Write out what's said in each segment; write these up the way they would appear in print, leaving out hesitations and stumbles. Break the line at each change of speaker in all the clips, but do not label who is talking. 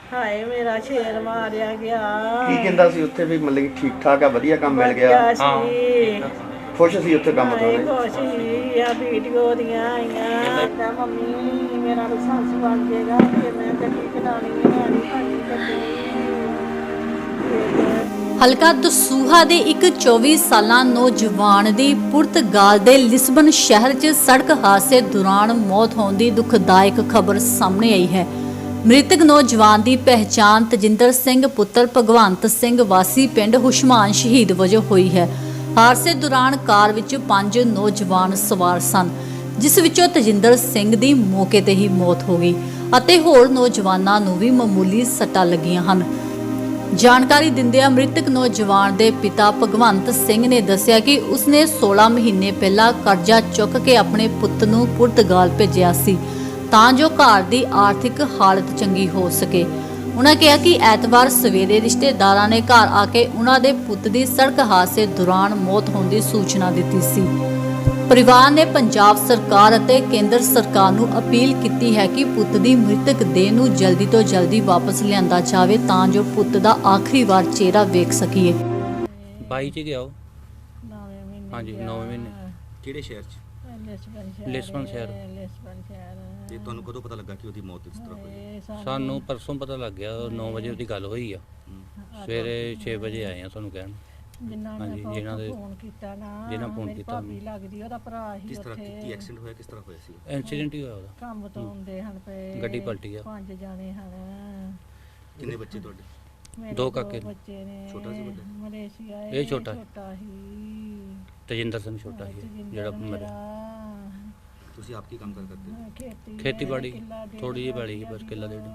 ਹਾਏ ਮੇਰਾ ਸ਼ੇਰ ਮਾਰਿਆ ਗਿਆ।
ਕੀ ਕਹਿੰਦਾ ਸੀ ਉੱਥੇ ਵੀ ਮਤਲਬ ਕਿ ਠੀਕ ਠਾਕ ਆ, ਵਧੀਆ ਕੰਮ ਮਿਲ ਗਿਆ,
ਵਧੀਆ ਸੀ।
ਖੁਸ਼ ਸੀ ਉੱਥੇ ਕੰਮ ਤੋਂ?
ਹਾਏ ਖੁਸ਼ ਸੀ। ਆ ਵੀਡੀਓ ਦੀਆਂ ਆਈਆਂ। ਕਹਿੰਦਾ ਮੰਮੀ ਮੇਰਾ ਲਾਇਸੈਂਸ ਬਣ ਜਾਏਗਾ ਤੇ ਮੈਂ ਗੱਡੀ ਚਲਾਉਣੀ ਹੈ, ਮੈਂ ਨਹੀਂ ਖਾਣੀ ਗੱਡੀ।
ਹਲਕਾ ਦਸੂਹਾ ਦੇ ਇੱਕ 24 ਸਾਲਾਂ ਨੌਜਵਾਨ ਦੀ ਪੁਰਤਗਾਲ ਦੇ ਲਿਸਬਨ ਸ਼ਹਿਰ 'ਚ ਸੜਕ ਹਾਦਸੇ ਦੌਰਾਨ ਮੌਤ ਹੋਣ ਦੀ ਦੁਖਦਾਇਕ ਖਬਰ ਸਾਹਮਣੇ ਆਈ ਹੈ। ਮ੍ਰਿਤਕ ਨੌਜਵਾਨ ਦੀ ਪਹਿਚਾਣ ਤਜਿੰਦਰ ਸਿੰਘ ਪੁੱਤਰ ਭਗਵੰਤ ਸਿੰਘ ਵਾਸੀ ਪਿੰਡ ਹੁਸ਼ਮਾਨ ਸ਼ਹੀਦ ਵਜੋਂ ਹੋਈ ਹੈ। ਹਾਦਸੇ ਦੌਰਾਨ ਕਾਰ ਵਿੱਚ 5 ਨੌਜਵਾਨ ਸਵਾਰ ਸਨ, ਜਿਸ ਵਿੱਚੋਂ ਤਜਿੰਦਰ ਸਿੰਘ ਦੀ ਮੌਕੇ ਤੇ ਹੀ ਮੌਤ ਹੋ ਗਈ ਅਤੇ ਹੋਰ ਨੌਜਵਾਨਾਂ ਨੂੰ ਵੀ ਮਾਮੂਲੀ ਸੱਟਾਂ ਲੱਗੀਆਂ ਹਨ। ਜਾਣਕਾਰੀ ਦਿੰਦਿਆਂ ਮ੍ਰਿਤਕ ਨੌਜਵਾਨ ਦੇ ਪਿਤਾ ਭਗਵੰਤ ਸਿੰਘ ਨੇ ਦੱਸਿਆ ਕਿ ਉਸਨੇ 16 ਮਹੀਨੇ ਪਹਿਲਾਂ ਕਰਜ਼ਾ ਚੁੱਕ ਕੇ ਆਪਣੇ ਪੁੱਤ ਨੂੰ ਪੁਰਤਗਾਲ ਭੇਜਿਆ ਸੀ ਤਾਂ ਜੋ ਘਰ ਦੀ ਆਰਥਿਕ ਹਾਲਤ ਚੰਗੀ ਹੋ ਸਕੇ। ਉਹਨਾਂ ਕਿਹਾ ਕਿ ਐਤਵਾਰ ਸਵੇਰੇ ਰਿਸ਼ਤੇਦਾਰਾਂ ਨੇ ਘਰ ਆ ਕੇ ਉਹਨਾਂ ਦੇ ਪੁੱਤ ਦੀ ਸੜਕ ਹਾਦਸੇ ਦੌਰਾਨ ਮੌਤ ਹੋਣ ਦੀ ਸੂਚਨਾ ਦਿੱਤੀ ਸੀ। ਪਰਿਵਾਰ ਨੇ ਪੰਜਾਬ ਸਰਕਾਰ ਅਤੇ ਕੇਂਦਰ ਸਰਕਾਰ ਨੂੰ ਅਪੀਲ ਕੀਤੀ ਹੈ ਕਿ ਪੁੱਤ ਦੀ ਮ੍ਰਿਤਕ ਦੇਹ ਨੂੰ ਜਲਦੀ ਤੋਂ ਜਲਦੀ ਵਾਪਸ ਲਿਆਂਦਾ ਜਾਵੇ ਤਾਂ ਜੋ ਪੁੱਤ ਦਾ ਆਖਰੀ ਵਾਰ ਚਿਹਰਾ ਵੇਖ ਸਕੀਏ।
22 ਚ ਗਿਆ ਉਹ।
9 ਮਹੀਨੇ।
ਹਾਂਜੀ 9 ਮਹੀਨੇ।
ਕਿਹੜੇ ਸ਼ਹਿਰ 'ਚ?
ਲਿਸਬਨ ਸ਼ਹਿਰ।
ਤੇ ਤੁਹਾਨੂੰ ਕਦੋਂ ਪਤਾ ਲੱਗਾ ਕਿ ਉਹਦੀ ਮੌਤ ਇਸ ਤਰ੍ਹਾਂ ਹੋਈ?
ਸਾਨੂੰ ਪਰਸੋਂ ਪਤਾ ਲੱਗ ਗਿਆ, 9 ਵਜੇ ਉਹਦੀ ਗੱਲ ਹੋਈ ਆ। ਸਵੇਰੇ 6 ਵਜੇ ਆਏ ਆ ਤੁਹਾਨੂੰ ਕਹਿਣ। ਹਾਂਜੀ, ਜਿਨ੍ਹਾਂ ਦੇ
ਫੋਨ ਕੀਤਾ ਨਾ,
ਜਿਨ੍ਹਾਂ ਫੋਨ
ਮੇਰੀ
ਕੀਤਾ।
ਭਾਬੀ ਲੱਗਦੀ, ਉਹਦਾ ਭਰਾ ਹੀ
ਕਿਸ ਤਰ੍ਹਾਂ
ਉੱਥੇ।
ਕੀ ਐਕਸੀਡੈਂਟ ਹੋਇਆ, ਕਿਸ ਤਰ੍ਹਾਂ ਹੋਇਆ ਸੀ?
ਇਨਸੀਡੈਂਟ ਹੀ ਹੋਇਆ ਉਹਦਾ।
ਕੰਮ ਤੋਂ ਆਉਂਦੇ ਹਨ ਪਏ,
ਗੱਡੀ ਪਲਟੀ ਆ।
5 ਜਾਣੇ ਹਨ।
ਕਿੰਨੇ ਬੱਚੇ ਤੁਹਾਡੇ?
ਮੇਰੇ
2 ਕਾਕੇ ਨੇ।
ਬੱਚੇ ਨੇ।
ਛੋਟਾ ਸੀ ਵੱਡਾ?
ਮਲੇਸ਼ੀਆ
ਇਹ ਛੋਟਾ
ਹੀ।
ਤਜਿੰਦਰ ਸਿੰਘ ਛੋਟਾ ਸੀ ਜਿਹੜਾ ਮਰਿਆ।
ਤੁਸੀਂ ਆਪ ਕੀ ਕੰਮ ਕਰਦੇ ਹੋ?
ਖੇਤੀਬਾੜੀ ਥੋੜੀ ਜਿਹੀ ਪੈਲੀ ਸੀ, ਬਸ ਕਿੱਲਾ ਡੇਢ।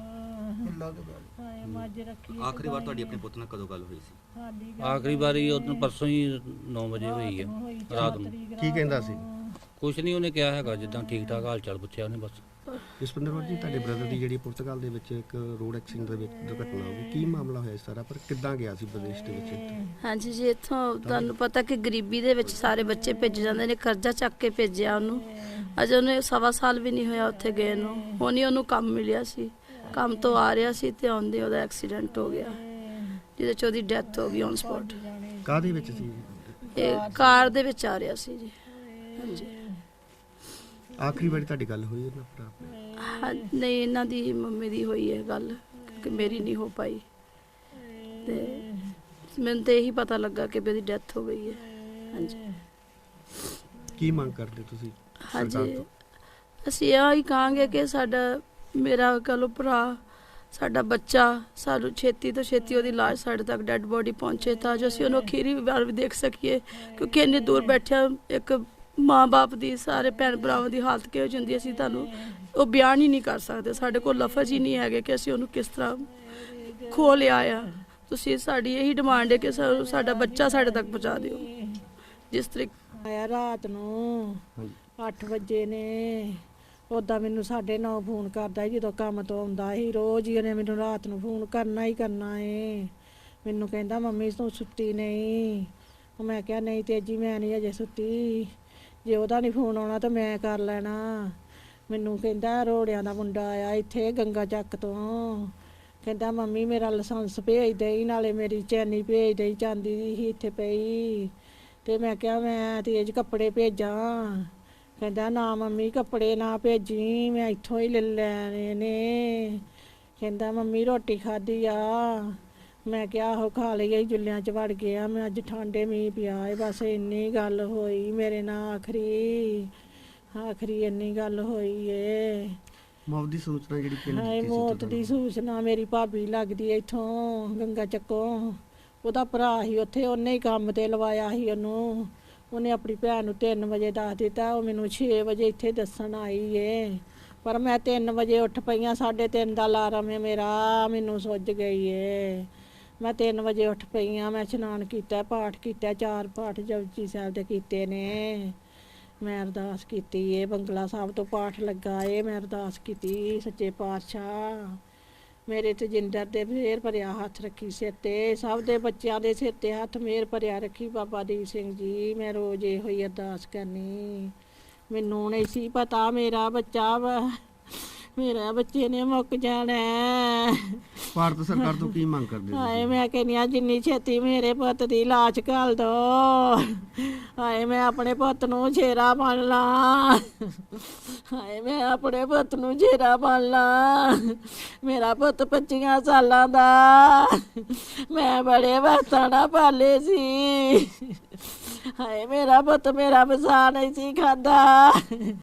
ਆਖਰੀ ਵਾਰ ਤੁਹਾਡੀ ਆਪਣੇ ਪੁੱਤ ਨਾਲ ਕਦੋਂ ਗੱਲ ਹੋਈ ਸੀ?
ਆਖਰੀ ਵਾਰੀ ਉਹਨੂੰ ਪਰਸੋਂ ਹੀ 9 ਵਜੇ ਹੋਈ ਆ ਰਾਤ ਨੂੰ।
ਕੀ ਕਹਿੰਦਾ ਸੀ?
ਕੁਛ ਨਹੀਂ ਉਹਨੇ ਕਿਹਾ ਹੈਗਾ, ਜਿੱਦਾਂ ਠੀਕ ਠਾਕ ਹਾਲ ਚਾਲ ਪੁੱਛਿਆ ਉਹਨੇ ਬਸ।
ਜਸਵਿੰਦਰ ਜੀ, ਤੁਹਾਡੇ ਬ੍ਰਦਰ ਦੀ ਜਿਹੜੀ ਪੁਰਤਗਾਲ ਦੇ ਵਿੱਚ ਇੱਕ ਰੋਡ ਐਕਸੀਡੈਂਟ ਦੇ ਵਿੱਚ ਦੁਰਘਟਨਾ ਹੋ ਗਈ, ਕੀ ਮਾਮਲਾ ਹੋਇਆ ਸਾਰਾ, ਪਰ ਕਿੱਦਾਂ ਗਿਆ ਸੀ ਵਿਦੇਸ਼ ਦੇ ਵਿੱਚ?
ਹਾਂਜੀ ਜੀ, ਇੱਥੋਂ ਤੁਹਾਨੂੰ ਪਤਾ ਕਿ ਗਰੀਬੀ ਦੇ ਵਿੱਚ ਸਾਰੇ ਬੱਚੇ ਭੇਜੇ ਜਾਂਦੇ ਨੇ, ਕਰਜ਼ਾ ਚੱਕ ਕੇ ਭੇਜਿਆ ਉਹਨੂੰ। ਅਜੇ ਉਹਨੇ 1.25 ਸਾਲ ਵੀ ਨਹੀਂ ਹੋਇਆ ਉੱਥੇ ਗਏ ਨੂੰ। ਹੁਣ ਹੀ ਉਹਨੂੰ ਕੰਮ ਮਿਲਿਆ ਸੀ, ਕੰਮ ਤੋਂ ਆ ਰਿਹਾ ਸੀ ਤੇ ਆਉਂਦੇ ਉਹਦਾ ਐਕਸੀਡੈਂਟ ਹੋ ਗਿਆ, ਜਿਹਦੇ 'ਚ ਉਹਦੀ ਡੈਥ ਹੋ ਗਈ ਔਨ ਸਪੌਟ।
ਕਾਹਦੇ ਵਿੱਚ ਸੀ?
ਇਹ ਕਾਰ ਦੇ ਵਿੱਚ ਆ ਰਿਹਾ ਸੀ ਜੀ। ਹਾਂਜੀ।
ਆਖਰੀ ਵਾਰੀ ਤੁਹਾਡੀ ਗੱਲ ਹੋਈ ਉਹਨਾਂ ਭਰਾ?
ਹਾਂ, ਨਹੀਂ, ਇਹਨਾਂ ਦੀ ਮੰਮੀ ਦੀ ਹੋਈ ਹੈ ਗੱਲ, ਕਿ ਮੇਰੀ ਨਹੀਂ ਹੋ ਪਾਈ। ਤੇ ਮੈਨੂੰ ਤੇ ਇਹੀ ਪਤਾ ਲੱਗਾ ਕਿ ਉਹਦੀ ਡੈਥ ਹੋ ਗਈ ਹੈ। ਹਾਂਜੀ।
ਕੀ ਮੰਗ ਕਰਦੇ ਤੁਸੀਂ ਸਰਕਾਰ
ਹਾਂਜੀ,
ਤੋਂ?
ਅਸੀਂ ਇਹ ਹੀ ਕਹਾਂਗੇ ਕਿ ਮੇਰਾ ਕਹੋ ਭਰਾ, ਸਾਡਾ ਬੱਚਾ, ਸਾਨੂੰ ਛੇਤੀ ਤੋਂ ਛੇਤੀ ਉਹਦੀ ਲਾਸ਼ ਸਾਡੇ ਤੱਕ ਡੈੱਡ ਬੋਡੀ ਪਹੁੰਚੇ ਤਾਂ ਜੋ ਅਸੀਂ ਉਹਨੂੰ ਅਖੀਰੀ ਵਾਰ ਵੀ ਦੇਖ ਸਕੀਏ, ਕਿਉਂਕਿ ਇੰਨੀ ਦੂਰ ਬੈਠਿਆ ਇੱਕ ਮਾਂ-ਬਾਪ ਦੀ, ਸਾਰੇ ਭੈਣ ਭਰਾਵਾਂ ਦੀ ਹਾਲਤ ਕਿਹੋ ਜਿਹੀ ਹੁੰਦੀ, ਅਸੀਂ ਤੁਹਾਨੂੰ ਉਹ ਬਿਆਨ ਹੀ ਨਹੀਂ ਕਰ ਸਕਦੇ। ਸਾਡੇ ਕੋਲ ਲਫ਼ਜ਼ ਹੀ ਨਹੀਂ ਹੈਗੇ ਕਿ ਅਸੀਂ ਉਹਨੂੰ ਕਿਸ ਤਰ੍ਹਾਂ ਖੋਹ ਲਿਆ ਆ। ਤੁਸੀਂ ਸਾਡੀ ਇਹੀ ਡਿਮਾਂਡ ਹੈ ਕਿ ਸਾਡਾ ਬੱਚਾ ਸਾਡੇ ਤੱਕ ਪਹੁੰਚਾ ਦਿਓ। ਜਿਸ ਤਰੀਕੇ
ਆਇਆ ਰਾਤ ਨੂੰ 8 ਵਜੇ ਨੇ, ਉੱਦਾਂ ਮੈਨੂੰ 9:30 ਫੋਨ ਕਰਦਾ ਜਦੋਂ ਕੰਮ ਤੋਂ ਆਉਂਦਾ ਸੀ। ਰੋਜ਼ ਹੀ ਉਹਨੇ ਮੈਨੂੰ ਰਾਤ ਨੂੰ ਫੋਨ ਕਰਨਾ ਹੀ ਕਰਨਾ ਏ। ਮੈਨੂੰ ਕਹਿੰਦਾ ਮੰਮੀ ਤੂੰ ਸੁੱਤੀ ਨਹੀਂ? ਮੈਂ ਕਿਹਾ ਨਹੀਂ ਤੇਜੀ, ਮੈਂ ਨਹੀਂ ਅਜੇ ਸੁੱਤੀ, ਜੇ ਉਹਦਾ ਨਹੀਂ ਫੋਨ ਆਉਣਾ ਤਾਂ ਮੈਂ ਕਰ ਲੈਣਾ। ਮੈਨੂੰ ਕਹਿੰਦਾ ਰੋੜਿਆਂ ਦਾ ਮੁੰਡਾ ਆਇਆ ਇੱਥੇ ਗੰਗਾ ਚੱਕ ਤੋਂ, ਕਹਿੰਦਾ ਮੰਮੀ ਮੇਰਾ ਲਾਇਸੈਂਸ ਭੇਜ ਦੇਈ, ਨਾਲੇ ਮੇਰੀ ਚੈਨੀ ਭੇਜ ਦੇਈ, ਚਾਂਦੀ ਦੀ ਸੀ ਇੱਥੇ ਪਈ। ਤੇ ਮੈਂ ਕਿਹਾ ਮੈਂ ਤੇਜ ਕੱਪੜੇ ਭੇਜਾਂ? ਕਹਿੰਦਾ ਨਾ ਮੰਮੀ ਕੱਪੜੇ ਨਾ ਭੇਜੀ, ਮੈਂ ਇੱਥੋਂ ਹੀ ਲੈ ਲੈਣੇ ਨੇ। ਕਹਿੰਦਾ ਮੰਮੀ ਰੋਟੀ ਖਾਧੀ ਆ? ਮੈਂ ਕਿਹਾ ਆਹੋ ਖਾ ਲਈ, ਜੁੱਲਿਆਂ 'ਚ ਵੜ ਗਿਆ ਮੈਂ, ਅੱਜ ਠੰਡੇ ਮੀਂਹ ਪਿਆ ਏ। ਬਸ ਇੰਨੀ ਗੱਲ ਹੋਈ ਮੇਰੇ ਨਾਲ, ਆਖਰੀ ਇੰਨੀ ਗੱਲ ਹੋਈ ਏ।
ਮੌਤ ਦੀ ਸੂਚਨਾ ਜਿਹੜੀ ਪਿੰਡ
ਹਾਏ ਮੌਤ ਦੀ ਸੂਚਨਾ ਮੇਰੀ ਭਾਬੀ ਲੱਗਦੀ ਇੱਥੋਂ ਗੰਗਾ ਚੱਕੋਂ, ਉਹਦਾ ਭਰਾ ਸੀ ਉੱਥੇ, ਉਹਨੇ ਹੀ ਕੰਮ ਤੇ ਲਵਾਇਆ ਸੀ ਉਹਨੂੰ। ਉਹਨੇ ਆਪਣੀ ਭੈਣ ਨੂੰ 3 ਵਜੇ ਦੱਸ ਦਿੱਤਾ, ਉਹ ਮੈਨੂੰ 6 ਵਜੇ ਇੱਥੇ ਦੱਸਣ ਆਈ ਏ। ਪਰ ਮੈਂ 3 ਵਜੇ ਉੱਠ ਪਈਆਂ, 3:30 ਦਾ ਅਲਾਰਮ ਹੈ ਮੇਰਾ, ਮੈਨੂੰ ਸੁੱਜ ਗਈ ਏ। ਮੈਂ 3 ਵਜੇ ਉੱਠ ਪਈਆਂ, ਮੈਂ ਇਸ਼ਨਾਨ ਕੀਤਾ, ਪਾਠ ਕੀਤਾ, 4 ਪਾਠ ਜਪਜੀ ਸਾਹਿਬ ਦੇ ਕੀਤੇ ਨੇ। ਮੈਂ ਅਰਦਾਸ ਕੀਤੀ ਏ, ਬੰਗਲਾ ਸਾਹਿਬ ਤੋਂ ਪਾਠ ਲੱਗਾ ਏ, ਮੈਂ ਅਰਦਾਸ ਕੀਤੀ ਸੱਚੇ ਪਾਤਸ਼ਾਹ ਮੇਰੇ ਤਜਿੰਦਰ ਦੇ ਮਿਹਰ ਭਰਿਆ ਹੱਥ ਰੱਖੀ ਸਿਰ ਤੇ, ਸਭ ਦੇ ਬੱਚਿਆਂ ਦੇ ਸਿਰ ਤੇ ਹੱਥ ਮਿਹਰ ਭਰਿਆ ਰੱਖੀ ਬਾਬਾ ਦੀਪ ਸਿੰਘ ਜੀ। ਮੈਂ ਰੋਜ਼ ਇਹੋ ਹੀ ਅਰਦਾਸ ਕਰਨੀ। ਮੈਨੂੰ ਨਹੀਂ ਸੀ ਪਤਾ ਮੇਰਾ ਬੱਚੇ ਨੇ ਮੁੱਕ ਜਾਣਾ।
ਭਾਰਤ ਸਰਕਾਰ ਤੋਂ ਕੀ ਮੰਗ ਕਰਦੇ
ਹਾਏ
ਤੁਸੀਂ?
ਮੈਂ ਕਹਿੰਦੀ ਹਾਂ ਜਿੰਨੀ ਛੇਤੀ ਮੇਰੇ ਪੁੱਤ ਦੀ ਲਾਸ਼ ਘੱਲ ਦੋ। ਹਾਏ ਮੈਂ ਆਪਣੇ ਪੁੱਤ ਨੂੰ ਛੇਰਾ ਬਣ ਲਾਂ। ਹਾਏ ਮੈਂ ਆਪਣੇ ਪੁੱਤ ਨੂੰ ਛੇਰਾ ਬਣ ਲਾਂ। ਮੇਰਾ ਪੁੱਤ 25 ਸਾਲਾਂ ਦਾ, ਮੈਂ ਬੜੇ ਵਕਤਾਂ ਨਾਲ ਪਾਲੇ ਸੀ। ਹਾਏ ਮੇਰਾ ਪੁੱਤ ਮੇਰਾ ਵਸਾ ਨਹੀਂ ਸੀ ਖਾਂਦਾ।